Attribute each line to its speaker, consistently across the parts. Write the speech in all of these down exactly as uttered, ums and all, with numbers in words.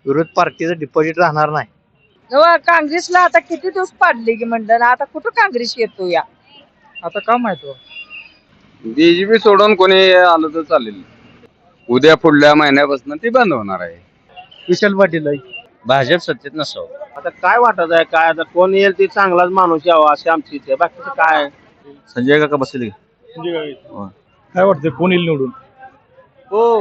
Speaker 1: विरोध पार्टीचं डिपॉझिट राहणार नाही.
Speaker 2: जेव्हा काँग्रेसला आता किती दिवस पाडले की म्हणलं ना, आता कुठं काँग्रेस येतो या आता का माहिती
Speaker 3: बीजेपी सोडून कोणी आलं तर चालेल. उद्या पुढल्या महिन्यापासून ती बंद होणार आहे.
Speaker 1: विशाल पाटील आहे.
Speaker 4: भाजप सत्तेत नसावं.
Speaker 5: आता काय वाटत आहे, काय आता कोण येईल ते चांगलाच माणूस यावा अशी आमची इच्छा आहे. बाकीचं काय
Speaker 4: संजय काका बसले.
Speaker 6: काय वाटतं कोण येईल निवडून?
Speaker 5: हो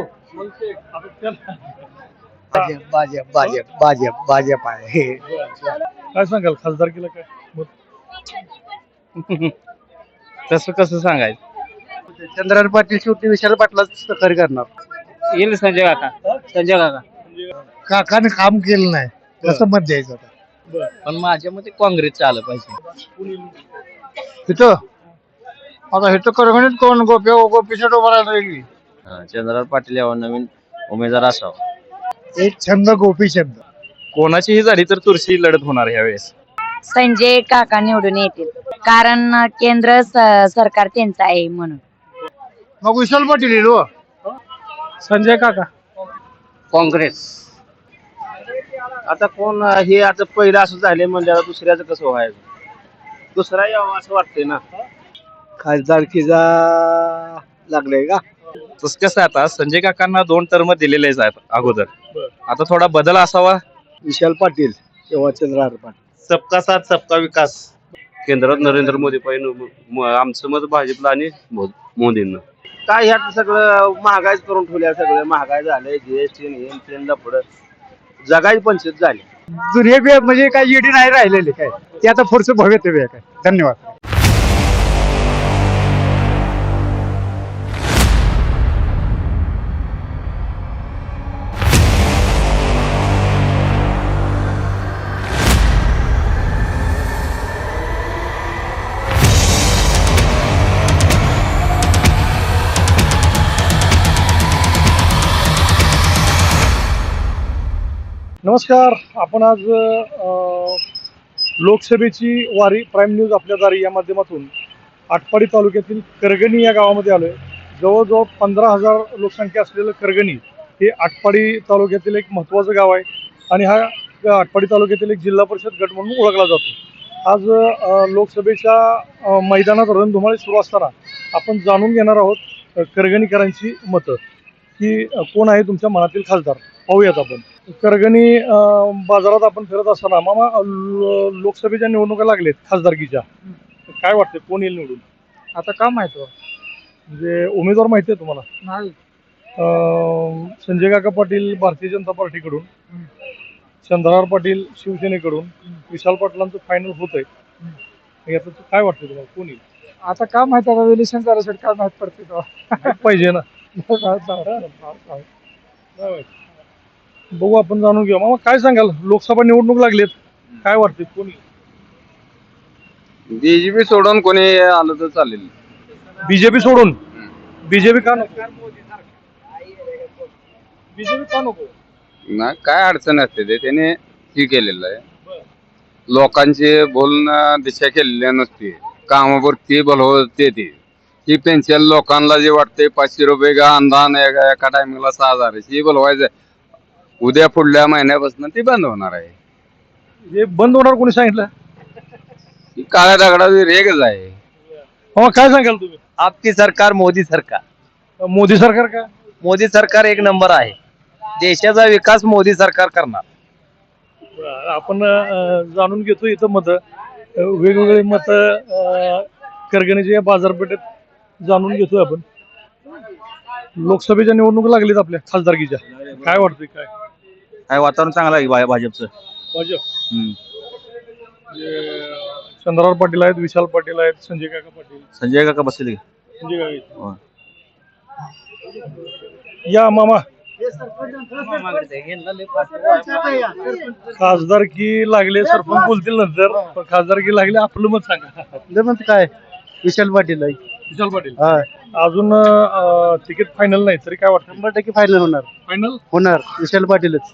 Speaker 1: भाजप भाजप भाजप भाजप भाजप आहे.
Speaker 6: काय सांगाल खासदारकीला काय मत?
Speaker 4: तसं कसं सांगायचं?
Speaker 1: चंद्रकांत पाटील शेवटी विशाल पाटलाच सहकार्य करणार.
Speaker 4: येईल संजय काका. संजय काका
Speaker 1: काकाने काम केलं नाही कसं मत द्यायचं आता.
Speaker 4: पण माझ्या मते काँग्रेसचं आलं पाहिजे.
Speaker 1: इथं आता इथं करगणित कोण गोप्या गोपीच्या डोबाला राहिली.
Speaker 4: चंद्रकांत पाटील यावं, नवीन उमेदवार असावा.
Speaker 1: एक छंद गोपी छंद.
Speaker 6: कोणाचीही झाली तर तुळशी लढत होणार यावेळेस.
Speaker 2: संजय काका निवडून येतील, कारण केंद्र स- सरकार त्यांचं आहे म्हणून.
Speaker 1: मग विशाल पाटील येईल हो.
Speaker 6: संजय काका.
Speaker 4: काँग्रेस.
Speaker 5: आता कोण हे आता पहिलं असं झाले म्हणजे दुसऱ्याचं कसं व्हायचं, दुसरा यावं असं वाटतंय ना.
Speaker 1: खासदारकीचा लागलाय का?
Speaker 6: तसं कसं आता संजय काकांना दोन टर्म दिलेलेच आहेत अगोदर. आता थोडा बदल असावा.
Speaker 1: विशाल पाटील किंवा चंद्रकांत पाटील.
Speaker 3: सबका साथ सबका विकास. केंद्रात नरेंद्र मोदी पाहिजे. आमचं मत भाजपला आणि मोदींना.
Speaker 5: काय ह्यात सगळं महागाईच करून ठेवल्या, सगळं महागाई झालंय. जीएसटी हेन तेन पुढं जगाई पंचायत झाली.
Speaker 1: जुने बी म्हणजे काय येडी नाही राहिलेले काय ते आता पुढचं भवितव्य आहे काय. धन्यवाद.
Speaker 6: नमस्कार. आपण आज अ, लोकसभेची वारी प्राईम न्यूज आपल्या दारी या माध्यमातून आटपाडी तालुक्यातील करगणी या गावामध्ये आलोय. जवळजवळ पंधरा हजार लोकसंख्या असलेलं करगणी हे आटपाडी तालुक्यातील एक महत्त्वाचं गाव आहे आणि हा आटपाडी तालुक्यातील एक जिल्हा परिषद गट म्हणून ओळखला जातो. आज अ, लोकसभेच्या अ, मैदानात रणधुमाळी सुरू असताना आपण जाणून घेणार आहोत अ, करगणीकरांची मतं की अ, कोण आहे तुमच्या मनातील खासदार. पाहूयात आपण. करगणी अं, बाजारात आपण फिरत असताना मामा लो- लोकसभेच्या निवडणुका लागलेत खासदारकीच्या. काय वाटतं कोण येईल निवडून?
Speaker 2: आता का माहिती
Speaker 6: म्हणजे उमेदवार माहिती आहे तुम्हाला?
Speaker 2: नाही.
Speaker 6: अं, संजय काका पाटील भारतीय जनता पार्टीकडून, चंद्रकांत पाटील शिवसेनेकडून, विशाल पाटलांचं फायनल होत आहे. याचं काय वाटतं तुम्हाला कोण येईल?
Speaker 2: आता का माहिती आता इलेक्शन करायसाठी काय माहित पडते तेव्हा.
Speaker 6: पाहिजे ना. बघू आपण जाणून घेऊ. मामा काय सांगाल लोकसभा निवडणूक लागलेत, काय वाटते कोण येईल?
Speaker 3: बीजेपी सोडून कोणी आलं तर चालेल.
Speaker 6: बीजेपी सोडून. बीजेपी का नको? बीजेपी का नको?
Speaker 3: ना काय अडचण असते ते त्याने ही केलेलं आहे. लोकांची बोलणं दिशा केलेली नसते. कामापुरती बोलवते ती ही पेन्शन लोकांना जे वाटते पाचशे रुपये का अनुदान एका एका टायमिंगला सहा हजार ही बोलवायचं. उद्या पुढल्या महिन्यापासून ती बंद होणार आहे.
Speaker 6: हे बंद होणार कोणी सांगितलं?
Speaker 3: ही काळ्या दगडाची रेगच आहे.
Speaker 6: मामा काय सांगाल तुम्ही?
Speaker 4: आपकी सरकार मोदी सरकार.
Speaker 6: मोदी सरकार का?
Speaker 4: मोदी सरकार एक नंबर आहे. देशाचा विकास मोदी सरकार करणार.
Speaker 6: आपण अं, जाणून घेतो इथं मत वेगवेगळे मत करगणीच्या बाजारपेठेत जाणून घेतोय आपण. लोकसभेच्या निवडणूक लागलीत आपल्या खासदारकीच्या. काय वाटतंय काय?
Speaker 4: काय वातावरण चांगलं आहे भाजपचं.
Speaker 6: भाजप. चंद्रकांत पाटील आहेत, विशाल पाटील आहेत, संजय काका पाटील.
Speaker 4: संजय काका बसले.
Speaker 6: संजय काका. या मामा. खासदारकी लागले सरपंच बोलतील नंतर, पण खासदारकी लागले आपलं मत सांगा.
Speaker 1: मग काय विशाल पाटील आहे.
Speaker 6: विशाल पाटील.
Speaker 1: हा
Speaker 6: अजून तिकीट फायनल नाही तरी काय वाटतं?
Speaker 1: शंभर टक्के फायनल होणार.
Speaker 6: फायनल
Speaker 1: होणार विशाल पाटीलच.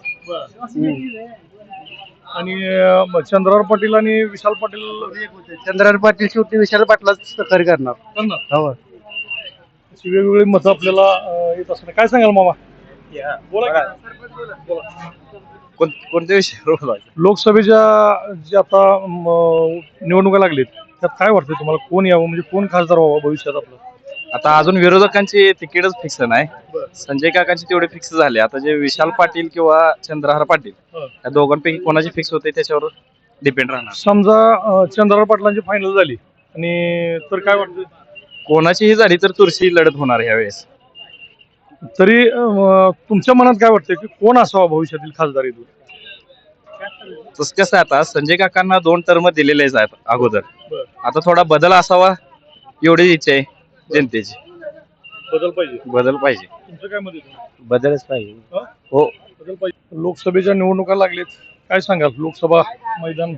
Speaker 6: आणि अं, चंद्रकांत पाटील आणि विशाल पाटील
Speaker 1: चंद्रकांत पाटील शेवटी विशाल पाटलाच सहकार्य करणार.
Speaker 6: करणार.
Speaker 1: हो.
Speaker 6: अशी वेगवेगळी मतं आपल्याला अं, येत असणार. काय सांगाल मामा बोला की.
Speaker 4: कोणत्या विषयावर
Speaker 6: लोकसभेच्या जे आता म, निवडणुका लागलीत त्यात काय वाटतं तुम्हाला कोण यावं म्हणजे कोण खासदार व्हावं भविष्यात आपलं?
Speaker 4: आता अजून विरोधकांची तिकीटच फिक्स नाही. संजय काकांची तेवढे फिक्स झाले. आता जे विशाल पाटील किंवा चंद्रहार पाटील
Speaker 6: हं.
Speaker 4: या दोघांपैकी कोणाची फिक्स होते त्याच्यावर डिपेंड राहणार.
Speaker 6: समजा अं, चंद्रराव पाटलांची फायनल झाली आणि तर काय वाटतं
Speaker 4: कोणाचीही झाली तर तुरशी लढत होणार यावेळेस.
Speaker 6: तरी अं, तुमच्या मनात काय वाटतं की कोण असावा भविष्यातील खासदार इथून?
Speaker 4: तसं कसं आहे, आता संजय काकांना दोन टर्म दिलेलेच आहेत अगोदर.
Speaker 6: बरं.
Speaker 4: आता थोडा बदल असावा एवढी इच्छा आहे जनतेची.
Speaker 6: बदल पाहिजे.
Speaker 4: बदल पाहिजे.
Speaker 6: तुमचं काय मत आहे?
Speaker 4: बदलच पाहिजे.
Speaker 6: हं?
Speaker 4: हो.
Speaker 6: बदल पाहिजे. लोकसभेच्या निवडणुका लागलेत काय सांगाल लोकसभा मैदान?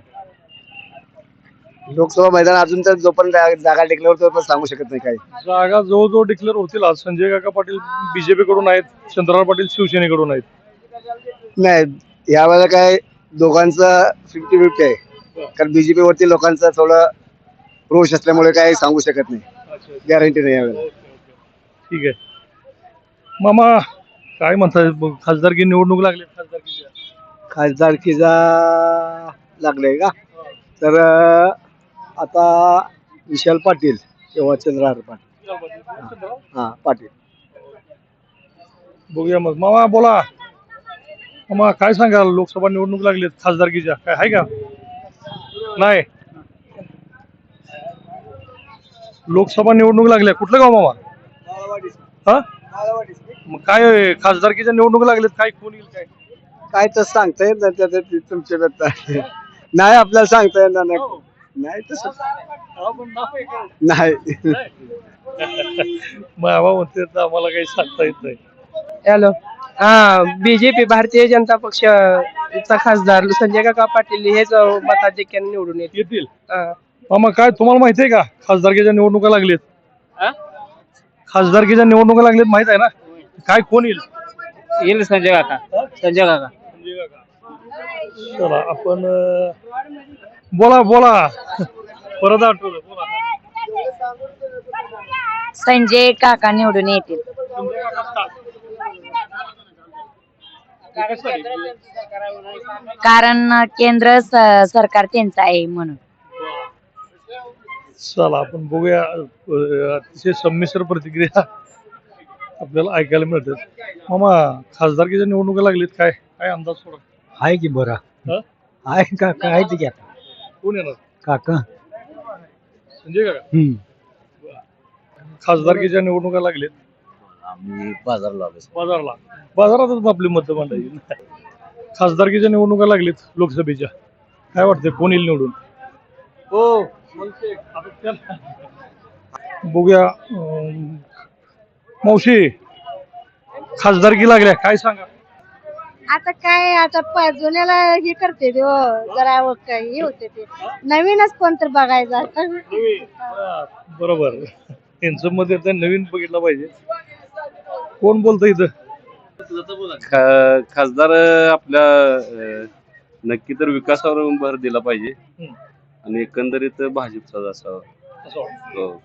Speaker 7: लोकसभा मैदान अजून तर जोपर्यंत जागा टिकल्यावर तोपर्यंत सांगू शकत नाही काही.
Speaker 6: जागा जवळजवळ डिक्लेअर होतील आज. संजय काका पाटील बीजेपी कडून आहेत, चंद्रराव पाटील शिवसेनेकडून आहेत.
Speaker 7: नाही यावेळेला काय दोघांचं फिफ्टी फिफ्टी आहे, कारण बीजेपी वरती लोकांचा थोडं रोष असल्यामुळे काही सांगू शकत नाही, गॅरंटी नाही यावेळेला.
Speaker 6: ठीक आहे मामा, काय म्हणताय खासदारकी निवडणूक लागली खासदारकीच्या?
Speaker 7: खासदारकीचा लागलाय का? तर अं, आता विशाल पाटील किंवा चंद्रहार पाटील. हा पाटील.
Speaker 6: बघूया मग. मामा बोला. मामा काय सांगाल लोकसभा निवडणूक लागली खासदारकीच्या काय आहे का? नाही. लोकसभा निवडणूक लागल्या कुठलं गाव मामा? हा मग काय खासदारकीच्या निवडणूक लागल्यात काय कोण येईल काय?
Speaker 7: काय तर सांगता येत नाही, त्याचं ते तुमच्या बद्दल. नाही आपल्याला सांगता येणार नाही. नाही तसं नाही.
Speaker 6: मामा म्हणते तर आम्हाला काही सांगता येत नाही.
Speaker 8: हॅलो. हा बीजेपी भारतीय जनता पक्षाचा खासदार संजय काका पाटील हेच मताधिक्याने निवडून येतील.
Speaker 6: येतील.
Speaker 8: हा.
Speaker 6: मामा काय तुम्हाला माहिती आहे का खासदारकीच्या निवडणुका लागलेत?
Speaker 8: हा?
Speaker 6: खासदारकीच्या निवडणुका लागलेत माहित आहे ना? काय कोण येईल?
Speaker 8: येईल संजय काका. संजय काका.
Speaker 6: चला आपण अं, बोला बोला परत आठवलं बोला.
Speaker 2: संजय काका निवडून येतील. कारण केंद्र स- सरकार त्यांचं आहे म्हणून.
Speaker 6: चला आपण बघूया. अं, अतिशय संमिश्र प्रतिक्रिया आपल्याला ऐकायला मिळतात. मामा खासदारकीच्या निवडणुका लागलीत काय काय अंदाज थोडा?
Speaker 1: आहे की बरा
Speaker 6: हं?
Speaker 1: आहे का काय ते की आता
Speaker 6: कोण येणार?
Speaker 1: काका.
Speaker 6: संजय काका.
Speaker 1: हम्म.
Speaker 6: खासदारकीच्या निवडणुका लागलेत
Speaker 4: आम्ही बाजारला आलो.
Speaker 6: बाजारला. बाजारातच आपली मतं मांडायची. खासदारकीच्या निवडणुका लागलेत लोकसभेच्या काय वाटतंय कोण येईल निवडून?
Speaker 8: हो.
Speaker 6: बघूया. अं, मावशी खासदारकी लागल्या काय सांगा?
Speaker 9: आता काय आता प- जुन्याला हे करते ते हो, जरा व काय हे होते ते नवीनच कोणतर बघायचं आता.
Speaker 6: हा, बरोबर. त्यांचं मत येतं नवीन बघितलं पाहिजे. कोण बोलतं इथं?
Speaker 10: खासदार आपल्या अं, नक्की तर विकासावर भर दिला पाहिजे
Speaker 6: हम्म.
Speaker 10: आणि एकंदरीत भाजपचाच असावा.
Speaker 6: असं वाटतं.
Speaker 10: हो.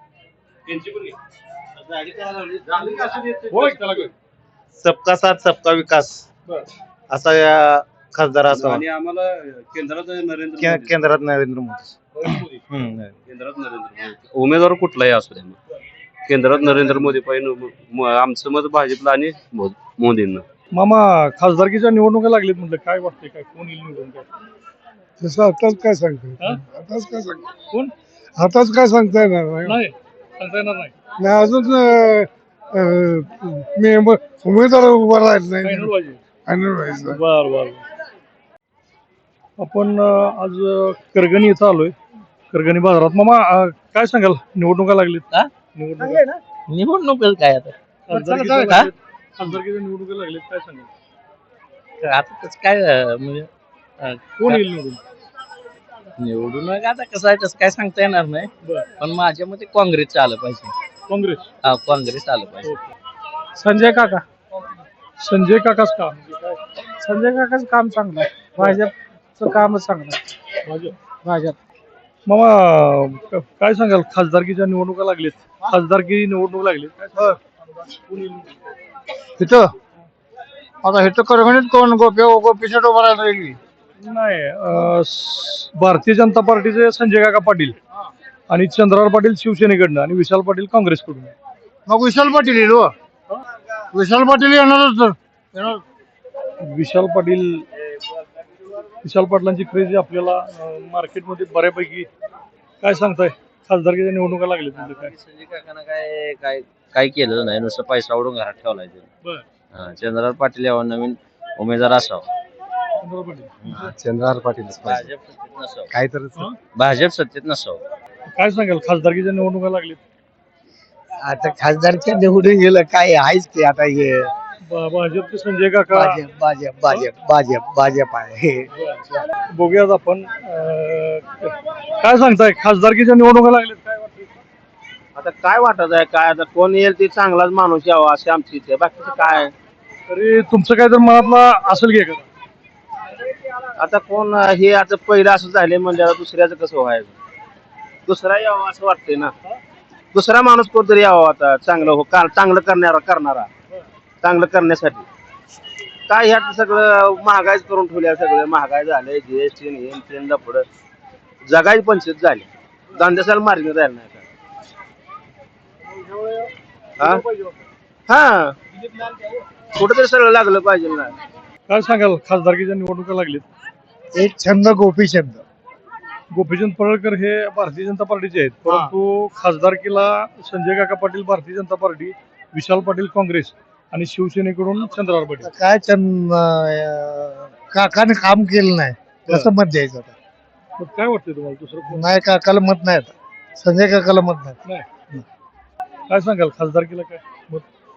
Speaker 6: बोला की त्याला काय?
Speaker 5: सबका साथ सबका विकास
Speaker 6: बरं.
Speaker 5: असा या खासदार असावा.
Speaker 10: आणि आम्हाला केंद्रात नरेंद्र
Speaker 5: के-
Speaker 10: मोदी.
Speaker 5: केंद्रात नरेंद्र मोदी.
Speaker 6: मोदी.
Speaker 5: हम्म.
Speaker 10: केंद्रात नरेंद्र मोदी उमेदवार कुठलाही असू द्या मग. केंद्रात नरेंद्र मोदी पाहिजे. म- आमचं मत भाजपला आणि मो- मोदींना.
Speaker 6: मामा खासदारकीच्या निवडणुका लागलीत म्हटलं काय वाटतंय काय कोण येईल निवडून काय?
Speaker 1: तसं आताच काय सांगतो
Speaker 6: हा?
Speaker 1: आताच काय सांगतो
Speaker 6: कोण?
Speaker 1: आताच काय सांगता येणार नाही.
Speaker 6: नाही सांगता येणार नाही.
Speaker 1: नाही अजून अं, अं, मी ब- उमेदवार उभा राहिला नाही.
Speaker 6: फायनल पाहिजे.
Speaker 1: फायनल व्हायचं.
Speaker 6: बर बर. आपण अं, आज अं, करगणी इथं आलोय. करगणी बाजारात. मामा अं, काय सांगाल निवडणुका लागलीत?
Speaker 8: हा?
Speaker 6: निवडणुका
Speaker 8: निवडणूक काय आता?
Speaker 6: खासदारकीच्या
Speaker 8: हा?
Speaker 6: लागलीत. खासदारकीच्या निवडणुका लागलीत काय सांगाल?
Speaker 8: आता तसं काय अं, म्हणजे अं,
Speaker 6: कोण येईल निवडून?
Speaker 8: निवडून आता कसं आहे तसं काय सांगता येणार नाही.
Speaker 6: बर.
Speaker 8: पण माझ्या मते काँग्रेस आलं पाहिजे.
Speaker 6: काँग्रेस.
Speaker 8: हा काँग्रेस आलं पाहिजे.
Speaker 6: संजय काका. संजय काकाच का? संजय काकाच काम चांगलं आहे. भाजपचं कामच चांगलं आहे. भाजप भाजप. मामा काय सांगाल खासदारकीच्या निवडणुका लागलीत. खासदारकी निवडणूक लागली काय सांगाल? कोण येईल?
Speaker 1: तिथं आता इथं करगणित कोण गोप्या गोपीसाठी उभा राहिला रेल्वे
Speaker 6: नाही अं, स- भारतीय जनता पार्टीचे संजय काका पाटील आणि चंद्रराव पाटील शिवसेनेकडनं आणि विशाल पाटील काँग्रेसकडून.
Speaker 1: मग विशाल पाटील येईल हो. विशाल पाटील येणारच तर येणार.
Speaker 6: विशाल पाटील विशाल पाटलांची क्रेज आपल्याला अं, मार्केटमध्ये बऱ्यापैकी काय सांगताय खासदारकीच्या निवडणुका लागल्या म्हणजे काय.
Speaker 5: संजय काकांना काय काय काय केलं नाही, नुसतं पैसा उडून घरात ठेवलाय ते.
Speaker 6: बरं.
Speaker 5: हा, चंद्रराव पाटील यावं, नवीन उमेदवार असावं.
Speaker 6: चंद्रराव पाटील
Speaker 7: चंद्रहार पाटील
Speaker 5: भाजप सत्तेत नसावं.
Speaker 7: काय तर
Speaker 5: भाजप सत्तेत नसावं.
Speaker 6: काय सांगाल खासदारकीच्या निवडणुका लागल्यात.
Speaker 7: आता खासदारच्या निवडून गेलं काय आहेच की आता हे
Speaker 6: ब- भाजपचे संजय काका
Speaker 7: भाजप भाजप भाजप भाजप भाजप आहे हे
Speaker 6: बघूयात आपण अं, काय सांगताय खासदारकीच्या निवडणुका लागल्यात काय वाटतं.
Speaker 5: आता काय वाटत आहे, काय आता कोण येईल ते चांगलाच माणूस यावा अशी आमची इच्छा आहे. बाकीचं काय
Speaker 6: तरी तुमचं काय तर मनातला असेल की एखादा.
Speaker 5: आता कोण हे आता पहिलं असं झाले म्हणजे दुसऱ्याचं कसं व्हायचं. दुसरा यावा असं वाटतंय ना, दुसरा माणूस कोणतरी यावा आता चांगलं हो का चांगलं करणारा करणारा चांगलं करण्यासाठी. काय ह्यात सगळं महागाईच करून ठेवल्या, सगळं महागाई झालंय, जीएसटी हे तेन लफडं जगाई पंचायत झाली, धंद्यासाला मार्ग राहिला नाही का. हा हा कुठेतरी सगळं लागलं पाहिजे ना.
Speaker 6: काय सांगाल खासदारकीच्या निवडणुका लागल्यात.
Speaker 1: एक छंद गोपीचंद
Speaker 6: गोपीचंद पडळकर हे भारतीय जनता पार्टीचे आहेत, परंतु खासदारकीला संजय काका पाटील भारतीय जनता पार्टी, विशाल पाटील काँग्रेस आणि शिवसेनेकडून चंद्रराव पाटील.
Speaker 1: काय चंद अं, काकाने काम केलं नाही कसं मत द्यायचं आता.
Speaker 6: मग काय वाटतंय तुम्हाला दुसरं कोण.
Speaker 1: नाही काकाला मत नाही आता संजय काकाला मत नाही.
Speaker 6: काय सांगाल खासदारकीला काय मत.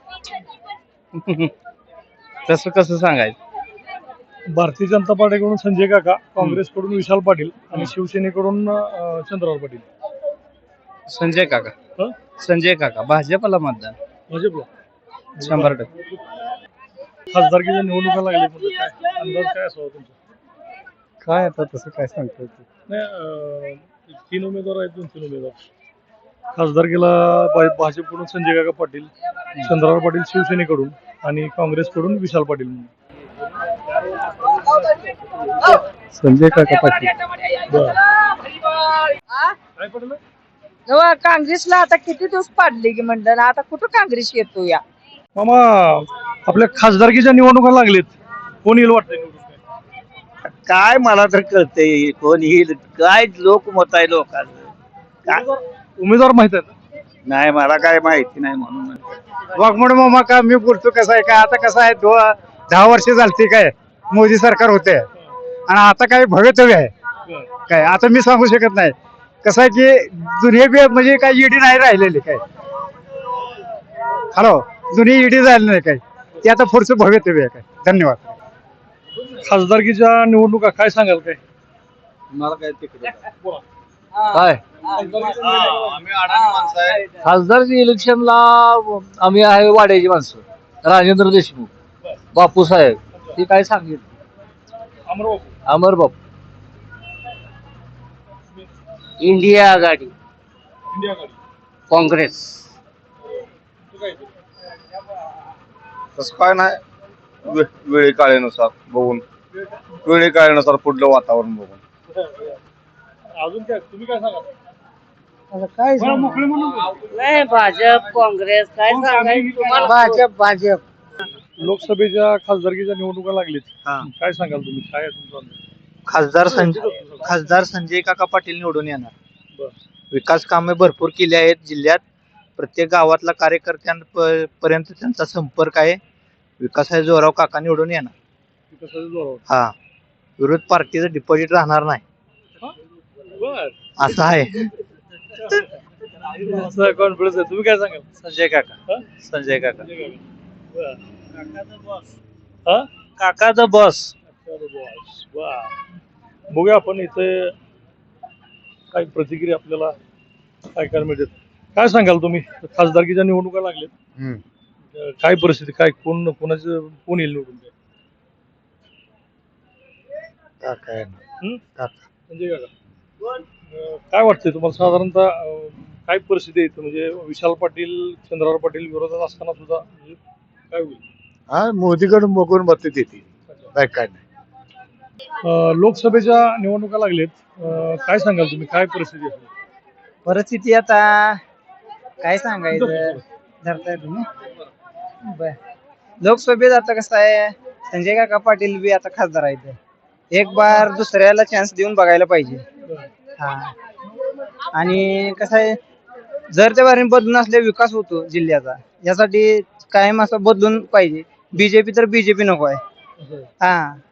Speaker 4: तसं कसं सांगायचं.
Speaker 6: भारतीय जनता पार्टीकडून संजय काका, काँग्रेसकडून विशाल पाटील आणि शिवसेनेकडून अं, चंद्रराव पाटील.
Speaker 4: संजय काका
Speaker 6: हं?
Speaker 4: संजय काका भाजपला मतदान
Speaker 6: भाजपला
Speaker 4: शंभर टक्के.
Speaker 6: खासदारकीच्या निवडणुका लागल्या म्हणजे काय अंदाज काय असावा तुमचा.
Speaker 1: काय आता तसं काय सांगतो.
Speaker 6: नाही अं, तीन उमेदवार आहेत, दोन तीन उमेदवार. खासदारकीला भा- भाजपकडून संजय काका पाटील, चंद्रराव पाटील शिवसेनेकडून आणि काँग्रेसकडून विशाल पाटील म्हणून.
Speaker 1: संजय काका पाटील.
Speaker 6: काय पडलं.
Speaker 2: जेव्हा काँग्रेसला आता किती दिवस पाडले की म्हणलं ना, आता कुठं काँग्रेस येतो या.
Speaker 6: मामा आपल्या खासदारकीच्या निवडणुका लागलेत, कोण येईल वाटतंय निवडून काय.
Speaker 7: काय मला तर कळतंय कोण येईल काय लोकमत आहे लोकांचं काय
Speaker 6: उमेदवार माहित आहेत.
Speaker 7: नाही मला काय माहिती नाही म्हणून.
Speaker 1: वाघमोड मामा का मी बोलतो कसं आहे काय आता कसं आहे दो दहा वर्ष झालती काय मोदी सरकार होते आणि आता काय भवितव्य आहे काय आता मी सांगू शकत नाही. कसं आहे की जुने बी म्हणजे काय ईडी नाही राहिलेली काय. हॅलो जुनी ईडी झाली नाही काय ते आता पुढचं भवितव्य आहे काय. धन्यवाद.
Speaker 6: खासदारकीच्या निवडणुका काय सांगाल काय.
Speaker 7: मला काय तिकडे
Speaker 1: काय खासदारच्या इलेक्शनला आम्ही आहे वाड्याची माणसं राजेंद्र देशमुख बापू साहेब ते काय सांगितलं
Speaker 6: अमरबाबू.
Speaker 1: अमर बापू.
Speaker 8: इंडिया आघाडी
Speaker 6: इंडिया आघाडी.
Speaker 8: काँग्रेस.
Speaker 6: तू काय ते?
Speaker 3: तसं काय नाही, वे- वेळी काळेनुसार बघून वेळी काळेनुसार पुढलं वातावरण बघून.
Speaker 6: अजून काय तुम्ही काय सांगा.
Speaker 1: काय
Speaker 6: बरं, मोकळे म्हणून बोला.
Speaker 8: नाही भाजप काँग्रेस काय सांगायचं तुम्हाला.
Speaker 1: भाजप भाजप.
Speaker 6: लोकसभेच्या खासदारकीच्या निवडणुका लागलीत, काय सांगाल तुम्ही काय आहे तुमचा अंदाज?
Speaker 11: खासदार संजय खासदार संजय काका पाटील निवडून येणार.
Speaker 6: बरं.
Speaker 11: विकास कामे भरपूर केली आहेत जिल्ह्यात. प्रत्येक गावातला कार्यकर्त्यांपर्यंत त्यांचा संपर्क आहे. विकासाच्या जोरावर काका निवडून येणार.
Speaker 6: विकासाच्या जोरावर.
Speaker 11: हा विरोध पार्टीचं डिपॉझिट राहणार नाही
Speaker 6: बर
Speaker 11: असं आहे.
Speaker 6: असं कॉन्फिडन्स आहे. तुम्ही काय सांगाल.
Speaker 11: संजय काका
Speaker 6: हं?
Speaker 11: संजय काका
Speaker 6: बरं. हा?
Speaker 11: काका द बॉस.
Speaker 6: वा. बघूया आपण इथे काही प्रतिक्रिया आपल्याला ऐकायला मिळतात. काय सांगाल तुम्ही खासदारकीच्या निवडणुका लागल्यात, काय परिस्थिती काय कोण कोणाचं कोण येईल निवडून. हं? संजय काका अं, काय वाटतंय तुम्हाला साधारणतः अं, काय परिस्थिती आहे इथं? म्हणजे विशाल पाटील चंद्रराव पाटील विरोधात असताना सुद्धा म्हणजे काय होईल.
Speaker 7: हा मोदीकडून बघून मत देते काय काय नाही
Speaker 6: अं, लोकसभेच्या निवडणुका लागलेत. अं, काय सांगाल तुम्ही, काय परिस्थिती असेल?
Speaker 2: परिस्थिती आता काय सांगायचं धरताय तुम्ही बर लोकसभेत आता कसं आहे संजय काका पाटील बी आता खासदार आहेत एक बार दुसऱ्याला चान्स देऊन बघायला पाहिजे हा आणि कसं आहे जर त्या बारीने बदलून असले विकास होतो जिल्ह्याचा यासाठी कायम असं बदलून पाहिजे बीजेपी तर बीजेपी नको आहे हा